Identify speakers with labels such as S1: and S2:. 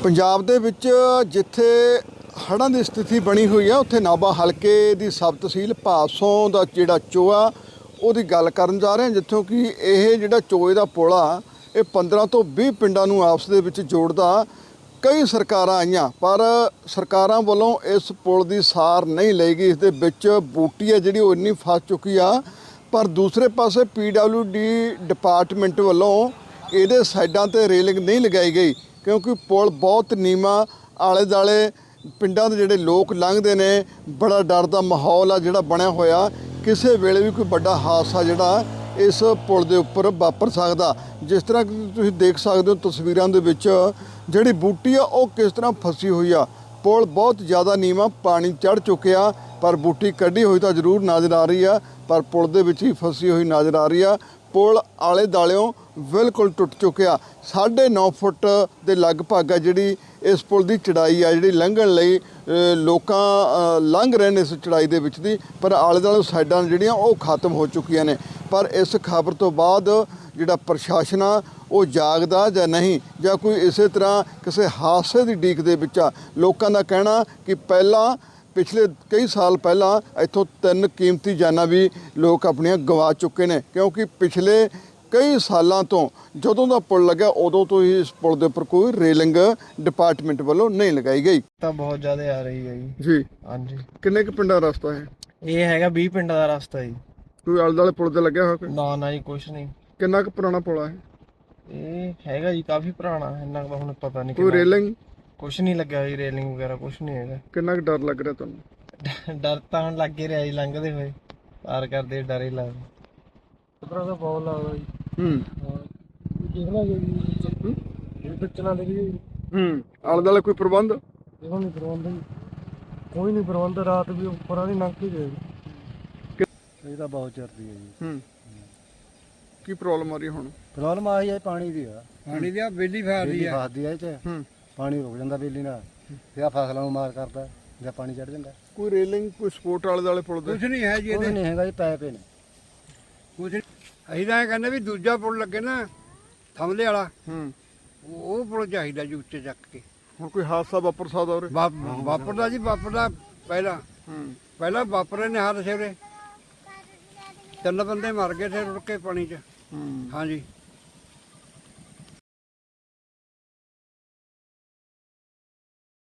S1: ਪੰਜਾਬ ਦੇ ਵਿੱਚ ਜਿੱਥੇ ਹੜ੍ਹਾਂ ਦੀ ਸਥਿਤੀ ਬਣੀ ਹੋਈ ਆ ਉੱਥੇ ਨਾਭਾ ਹਲਕੇ ਦੀ ਸਬ ਤਹਿਸੀਲ ਭਾਦਸੋਂ ਦਾ ਜਿਹੜਾ ਚੋਆ ਉਹਦੀ ਗੱਲ ਕਰਨ ਜਾ ਰਹੇ ਹਾਂ, ਜਿੱਥੋਂ ਕਿ ਇਹ ਜਿਹੜਾ ਚੋਏ ਦਾ ਪੁਲ ਆ ਇਹ 15 ਤੋਂ 20 ਪਿੰਡਾਂ ਨੂੰ ਆਪਸ ਦੇ ਵਿੱਚ ਜੋੜਦਾ। ਕਈ ਸਰਕਾਰਾਂ ਆਈਆਂ ਪਰ ਸਰਕਾਰਾਂ ਵੱਲੋਂ ਇਸ ਪੁਲ ਦੀ ਸਾਰ ਨਹੀਂ ਲਈ ਗਈ। ਇਸ ਦੇ ਵਿੱਚ ਬੂਟੀ ਹੈ ਜਿਹੜੀ ਉਹ ਇੰਨੀ ਫਸ ਚੁੱਕੀ ਆ, ਪਰ ਦੂਸਰੇ ਪਾਸੇ PWD ਡਿਪਾਰਟਮੈਂਟ ਵੱਲੋਂ ਇਹਦੇ ਸਾਈਡਾਂ ਤੇ ਰੇਲਿੰਗ ਨਹੀਂ ਲਗਾਈ ਗਈ, ਕਿਉਂਕਿ ਪੁਲ ਬਹੁਤ ਨੀਵਾਂ, ਆਲੇ ਦੁਆਲੇ ਪਿੰਡਾਂ ਦੇ ਜਿਹੜੇ ਲੋਕ ਲੰਘਦੇ ਨੇ, ਬੜਾ ਡਰ ਦਾ ਮਾਹੌਲ ਆ ਜਿਹੜਾ ਬਣਿਆ ਹੋਇਆ। ਕਿਸੇ ਵੇਲੇ ਵੀ ਕੋਈ ਵੱਡਾ ਹਾਦਸਾ ਜਿਹੜਾ ਇਸ ਪੁਲ ਦੇ ਉੱਪਰ ਵਾਪਰ ਸਕਦਾ। ਜਿਸ ਤਰ੍ਹਾਂ ਕਿ ਤੁਸੀਂ ਦੇਖ ਸਕਦੇ ਹੋ ਤਸਵੀਰਾਂ ਦੇ ਵਿੱਚ ਜਿਹੜੀ ਬੂਟੀ ਆ ਉਹ ਕਿਸ ਤਰ੍ਹਾਂ ਫਸੀ ਹੋਈ ਆ। ਪੁਲ ਬਹੁਤ ਜ਼ਿਆਦਾ ਨੀਵਾਂ, ਪਾਣੀ ਚੜ੍ਹ ਚੁੱਕਿਆ, ਪਰ ਬੂਟੀ ਕੱਢੀ ਹੋਈ ਤਾਂ ਜ਼ਰੂਰ ਨਜ਼ਰ ਆ ਰਹੀ ਆ, ਪਰ ਪੁਲ ਦੇ ਵਿੱਚ ਹੀ ਫਸੀ ਹੋਈ ਨਜ਼ਰ ਆ ਰਹੀ ਆ। ਪੁਲ ਆਲੇ ਦੁਆਲਿਓਂ ਬਿਲਕੁਲ ਟੁੱਟ ਚੁੱਕਿਆ। 9.5 ਫੁੱਟ ਦੇ ਲਗਭਗ ਆ ਜਿਹੜੀ ਇਸ ਪੁਲ ਦੀ ਚੜਾਈ ਆ, ਜਿਹੜੀ ਲੰਘਣ ਲਈ ਲੋਕਾਂ ਲੰਘ ਰਹੇ ਨੇ ਇਸ ਚੜਾਈ ਦੇ ਵਿੱਚ ਦੀ, ਪਰ ਆਲੇ ਦੁਆਲੇ ਸਾਈਡਾਂ ਜਿਹੜੀਆਂ ਉਹ ਖਤਮ ਹੋ ਚੁੱਕੀਆਂ ਨੇ। ਪਰ ਇਸ ਖਬਰ ਤੋਂ ਬਾਅਦ ਜਿਹੜਾ ਪ੍ਰਸ਼ਾਸਨ ਆ ਉਹ ਜਾਗਦਾ ਜਾਂ ਨਹੀਂ, ਜਾਂ ਕੋਈ ਇਸੇ ਤਰ੍ਹਾਂ ਕਿਸੇ ਹਾਦਸੇ ਦੀ ਉਡੀਕ ਦੇ ਵਿੱਚ ਆ। ਲੋਕਾਂ ਦਾ ਕਹਿਣਾ ਕਿ ਪਹਿਲਾਂ ਪਿਛਲੇ ਕਈ ਸਾਲ ਪਹਿਲਾਂ ਇੱਥੋਂ 3 ਕੀਮਤੀ ਜਾਨਾਂ ਵੀ ਲੋਕ ਆਪਣੀਆਂ ਗਵਾ ਚੁੱਕੇ ਨੇ, ਕਿਉਂਕਿ ਪਿਛਲੇ ਕਈ ਸਾਲਾਂ ਤੋਂ ਜਦੋਂ ਦਾ ਪੁਲ ਲੱਗਿਆ ਉਦੋਂ ਤੋਂ ਹੀ ਇਸ ਪੁਲ ਦੇ ਉੱਪਰ ਕੋਈ ਰੇਲਿੰਗ ਡਿਪਾਰਟਮੈਂਟ ਵੱਲੋਂ ਨਹੀਂ ਲਗਾਈ ਗਈ।
S2: ਤਾਂ ਬਹੁਤ ਜ਼ਿਆਦਾ ਆ ਰਹੀ ਹੈ
S1: ਜੀ।
S2: ਹਾਂਜੀ।
S1: ਕਿੰਨੇ ਕੁ ਪਿੰਡਾਂ ਦਾ ਰਸਤਾ ਹੈ
S2: ਇਹ? ਹੈਗਾ 20 ਪਿੰਡਾਂ ਦਾ ਰਸਤਾ ਜੀ।
S1: ਕੋਈ ਆਲੇ ਦੁਆਲੇ ਪੁਲ ਤੇ ਲੱਗਿਆ ਹੋਇਆ ਕੋਈ?
S2: ਨਾ ਜੀ, ਕੁਛ ਨਹੀਂ।
S1: ਕਿੰਨਾ ਕੁ ਪੁਰਾਣਾ ਪੁਲ ਹੈ
S2: ਇਹ? ਹੈਗਾ ਜੀ ਕਾਫੀ ਪੁਰਾਣਾ, ਇੰਨਾ ਕੁ ਹੁਣ ਪਤਾ ਨਹੀਂ।
S1: ਕੋਈ ਰੇਲਿੰਗ
S2: ਕੁਛ ਨਹੀਂ ਲੱਗਿਆ ਜੀ, ਰੇਲਿੰਗ ਵਗੈਰਾ ਕੁਛ ਨਹੀਂ ਹੈਗਾ।
S1: ਕਿੰਨਾ ਕੁ ਡਰ ਲੱਗ ਰਿਹਾ ਤੁਹਾਨੂੰ?
S2: ਡਰ ਤਾਂ ਹੁਣ ਲੱਗ ਹੀ ਰਿਹਾ ਜੀ, ਲੰਘਦੇ ਹੋਏ ਪਾਰ ਕਰਦੇ ਡਰ ਹੀ ਲੱਗਦਾ। ਖਤਰਾ ਤਾਂ ਬਹੁਤ ਲੱਗਦਾ ਜੀ। ਦੇਖਣਾ ਜੀ ਇਹ ਬੱਚਣਾ ਦੇ ਵੀ
S1: ਆਲੇ ਦੁਆਲੇ ਕੋਈ ਪ੍ਰਬੰਧ?
S2: ਇਹੋ ਨਹੀਂ ਪ੍ਰਬੰਧ ਜੀ, ਕੋਈ ਨਹੀਂ ਪ੍ਰਬੰਧ। ਰਾਤ ਵੀ ਉੱਪਰਾਂ ਦੀ ਲੰਘ ਕੇ ਗਏ। ਇਹ ਤਾਂ ਬਹੁਤ ਚੜਦੀ ਹੈ ਜੀ।
S1: ਕੀ ਪ੍ਰੋਬਲਮ ਆ ਰਹੀ ਹੁਣ?
S2: ਪ੍ਰੋਬਲਮ ਆਈ ਹੈ ਪਾਣੀ ਦੀ ਆ।
S3: ਪਾਣੀ ਦੀ ਆ ਬੇਲੀ ਫਾਰਦੀ ਆ।
S2: ਫਸਦੀ ਆ ਇਹ ਚ। ਪਾਣੀ ਰੁਕ ਜਾਂਦਾ ਬੇਲੀ ਨਾਲ, ਤੇ ਆ ਫਸਲਾਂ ਨੂੰ ਮਾਰ ਕਰਦਾ ਜਾਂ ਪਾਣੀ ਚੜ ਜਾਂਦਾ।
S1: ਕੋਈ ਰੇਲਿੰਗ, ਕੋਈ ਸਪੋਰਟ ਆਲੇ ਦੁਆਲੇ ਪੁਲ ਦੇ?
S3: ਕੁਛ ਨਹੀਂ ਹੈ ਜੀ,
S2: ਕੁਛ ਨਹੀਂ ਹੈਗਾ ਜੀ, ਪੈਪੇ ਨੇ
S3: ਕੁਛ। ਅਸੀਂ ਤਾਂ ਇਹ ਕਹਿੰਦੇ ਵੀ ਦੂਜਾ ਪੁਲ ਲੱਗੇ ਨਾ ਥਮਲੇ ਵਾਲਾ, ਉਹ ਪੁਲ ਚਾਹੀਦਾ ਜੀ ਉੱਚੇ ਚੱਕ ਕੇ।
S1: ਹੁਣ ਕੋਈ ਹਾਦਸਾ ਵਾਪਰ ਸਕਦਾ ਉਰੇ?
S3: ਵਾਪਰਦਾ ਜੀ, ਵਾਪਰਦਾ। ਪਹਿਲਾਂ ਵਾਪਰੇ ਨੇ ਹਾਦਸੇ ਉਰੇ, 3 ਬੰਦੇ ਮਰ ਗਏ ਥੇ ਰੁੜ ਕੇ ਪਾਣੀ 'ਚ। ਹਾਂਜੀ।